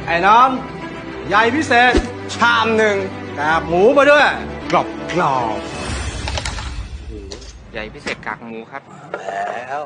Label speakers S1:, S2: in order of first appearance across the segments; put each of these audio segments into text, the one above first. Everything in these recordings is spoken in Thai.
S1: ไอ้น้องใหญ่พิเศษชามหนึ่งกากหมูมาด้วยกรอบกรอบ
S2: ใหญ่พิเศษกากหมูครับ
S1: แล้ว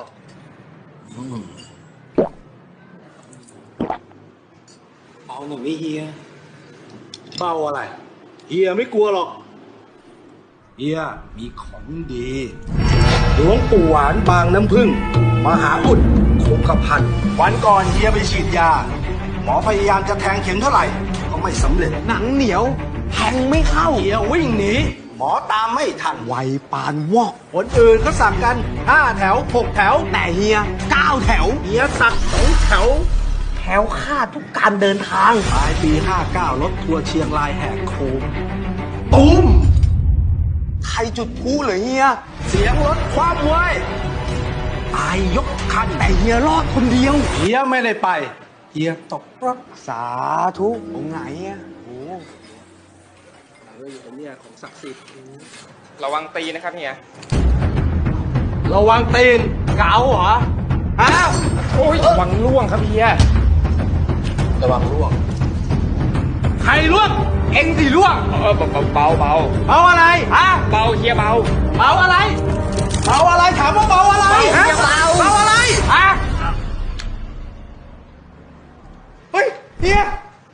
S1: เบาหน่อยไม่เฮียเบาอะไรเฮียไม่กลัวหรอกเฮียมีของดีหลวงปู่หวานบางน้ำผึ้งมหาอุดคงกระพันวันก่อนเฮียไปฉีดยาหมอพยายามจะแทงเข็มเท่าไหร่ก็ไม่สำเร็จหนังเหนียวแทงไม่เข้าเฮียวิ่งหนีหมอตามไม่ทันไวปานวอกคนอื่นเขาสั่งกัน5 แถว 6 แถวแต่เฮีย9 แถวเฮียสั่ง2 แถวแถวค่าทุกการเดินทางปลายปี59รถทัวร์เชียงรายแหกโค้งตูมใครจุดพลุเหรอเฮียเสียงรถคว่ำเว้ยตายยกคันแต่เฮียรอดคนเดียวเฮียไม่ได้ไปเฮียตกรถสาธุองค์ไหนอ่ะโอ้อยู่เนี่ยของศักดิ์สิทธิ์
S2: ระวังตีนะครับเฮีย
S1: ระวังตีนเก๋าเหรอฮะ
S2: โอ้ยระวังล่วงครับเฮีย
S1: ระวังล่วงใครล่วงเอ็งสิล่วง
S2: เบา
S1: เบาอะไรฮะ
S2: เบาเฮียเบา
S1: เบาอะไรเบาอะไรถามว่าเบาอะไรฮะเบาอะไรฮะเฮ้ยเฮีย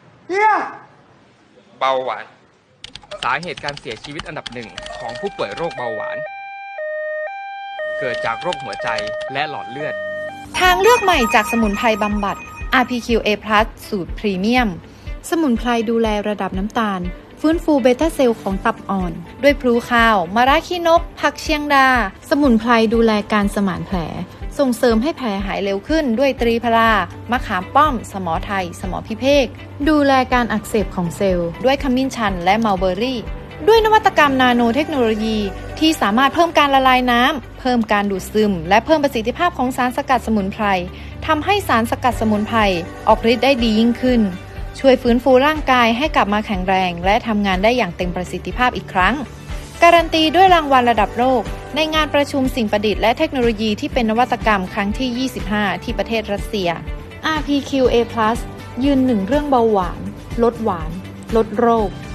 S2: เบาหวานสาเหตุการเสียชีวิตอันดับหนึ่งของผู้ป่วยโรคเบาหวานเกิดจากโรคหัวใจและหลอดเลือด
S3: ทางเลือกใหม่จากสมุนไพรบำบัด RPQA+ สูตรพรีเมียมสมุนไพรดูแลระดับน้ำตาลฟื้นฟูเบต้าเซลล์ของตับอ่อนด้วยพลูข้าวมะระขี้นกผักเชียงดาสมุนไพรดูแลการสมานแผลส่งเสริมให้แผลหายเร็วขึ้นด้วยตรีพรามะขามป้อมสมอไทยสมอพิเภกดูแลการอักเสบของเซลล์ด้วยขมิ้นชันและมัลเบอรี่ด้วยนวัตกรรมนาโนเทคโนโลยีที่สามารถเพิ่มการละลายน้ำเพิ่มการดูดซึมและเพิ่มประสิทธิภาพของสารสกัดสมุนไพรทำให้สารสกัดสมุนไพรออกฤทธิ์ได้ดียิ่งขึ้นช่วยฟื้นฟูร่างกายให้กลับมาแข็งแรงและทำงานได้อย่างเต็มประสิทธิภาพอีกครั้งการันตีด้วยรางวัลระดับโลกในงานประชุมสิ่งประดิษฐ์และเทคโนโลยีที่เป็นนวัตกรรมครั้งที่ 25 ที่ประเทศรัสเซีย RPQA+ ยืนหนึ่งเรื่องเบาหวานลดโรค